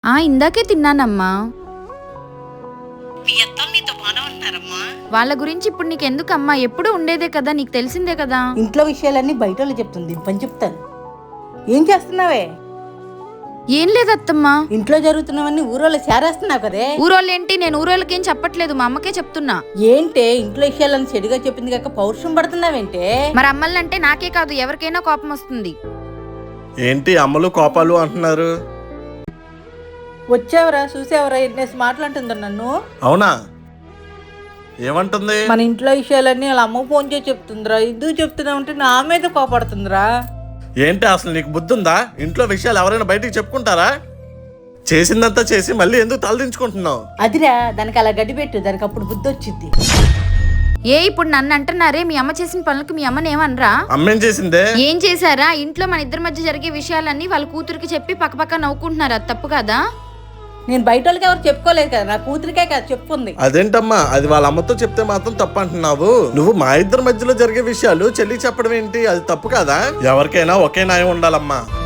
ఇందాకే తిన్నానమ్మా. మీ అత్తలు నీతో బాగానే ఉంటున్నారమ్మా? వాళ్ళ గురించి ఇప్పుడు నీకెందుకమ్మా? ఎప్పుడూ ఉండేదే కదా, నీకు తెలిసిందే కదా. ఇంట్లో విషయాలన్నీ బయట వాళ్ళు చెప్తుంది, పని చెప్తాను. ఏం చేస్తున్నావే? ఏం లేదత్తమ్మా. ఇంట్లో జరుగుతున్నవన్నీ ఊరోళ్ళు చేరేస్తున్నావు కదే. ఊరోళ్ళేంటి? నేను ఊరోళ్ళకేం చెప్పట్లేదు, మా అమ్మకే చెప్తున్నా. ఏంటే ఇంట్లో విషయాలని చెడుగా చెప్పింది కాక పౌరుషం పడుతున్నావేంటే? మరి అమ్మల్నంటే నాకే కాదు ఎవరికైనా కోపం వస్తుంది. ఏంటి అమ్మలు కోపాలు అంటున్నారు? వచ్చావరా, చూసావరా ఎన్నేసి మాట్లాడుతుందా నన్ను? అవునా, ఏమంటుంది? మన ఇంట్లో విషయాలన్నీ వాళ్ళ అమ్మ ఫోన్ చేసి చెప్తుందిరా. ఎందుకు చెప్తున్నా అంటే నా మీద కోపడుతుందిరా. ఏంటి అసలు నీకు బుద్ధి ఉందా? ఇంట్లో విషయాలు ఎవరైనా బయటికి చెప్పుకుంటారా? చేసిందంతా చేసి మళ్ళీ ఎందుకు తలదించుకుంటున్నావు? అదిరా, దానికి అలా గడ్డి పెట్టు, దానికి అప్పుడు బుద్ధి వచ్చింది. ఇప్పుడు నన్ను అంటున్నారే, మీ అమ్మ చేసిన పనులకు మీ అమ్మని ఏమనరా? అమ్మేం చేసిందే? ఏం చేశారా? ఇంట్లో మన ఇద్దరి మధ్య జరిగే విషయాలన్నీ వాళ్ళ కూతురికి చెప్పి పక్కపక్క నవ్వుకుంటున్నారు. అది తప్పు కదా? నేను బయట వాళ్ళకి ఎవరు చెప్పుకోలేదు కదా, నా కూతురికే కదా చెప్పుకుంది. అదేంటమ్మా, అది వాళ్ళ అమ్మతో చెప్తే మాత్రం తప్పు అంటున్నావు? నువ్వు మా ఇద్దరి మధ్యలో జరిగే విషయాలు చెల్లికి చెప్పడం ఏంటి? అది తప్పు కదా? ఎవరికైనా ఒకే న్యాయం ఉండాలమ్మా.